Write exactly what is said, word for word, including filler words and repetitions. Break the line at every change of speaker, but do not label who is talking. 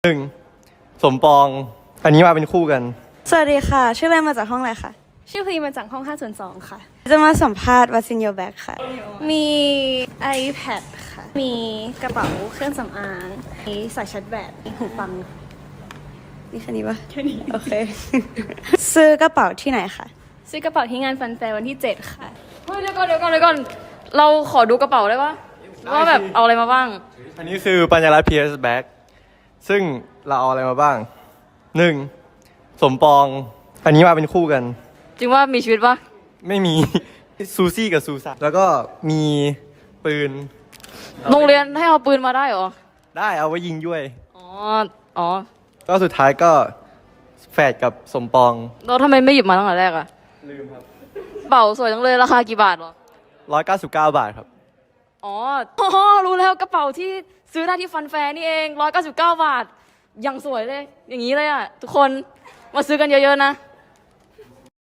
หนึ่งสมปองอันนี้มาเป็นคู่กัน
สวัสดีค่ะชื่ออะไรมาจากห้องอะไรคะ
ชื่อพลีมาจากห้องห้าส่วนสองค่ะ
จะมาสัมภาษณ์ What's in your bag ค่ะ
มี iPad ค่ะมีกระเป๋าเครื่องสำอางมีสายชาร์จแบตมีหูฟัง
นี่แค่นี้ปะแค่นี้โอเค ซื้อกระเป๋าที่ไหนคะ
ซื้อกระเป๋าที่งานฟันแฟร์วันที่เจ็ดค่ะ
เฮ้ยเดี๋ยวก่อนเดี๋ยวก่อนเดี๋ยวก่อนเราขอดูกระเป๋าได้ปะว่าแบบเอาอะไรมาบ้าง
อันนี้คือปัญญารัตน์ พี เอส Bag ซึ่งเราเอาอะไรมาบ้างหนึ่งสมปองอันนี้มาเป็นคู่กัน
จริงว่ามีชีวิตปะ
ไม่มี ซูซี่กับซูซ่าแล้วก็มีปืน
โรงเรียนให้เอาปืนมาได้เหรอ
ได้เอาไว้ยิงด้วย
อ๋ออ๋อ
ก็สุดท้ายก็แฝดกับสมปอง
เราทำไมไม่หยิบมาตั้งแต่แรกอะ
ลืมครับ
กระเป๋าสวยจังเลยราคากี่บาทหรอ
ร้อยเก้าสิบเก้าบาทครับ
อ๋ออ๋อรู้แล้วกระเป๋าที่ซื้อได้ที่ฟันแฟร์นี่เองร้อยเก้าสิบเก้าบาทยังสวยเลยอย่างนี้เลยอะทุกคนมาซื้อกันเยอะๆนะ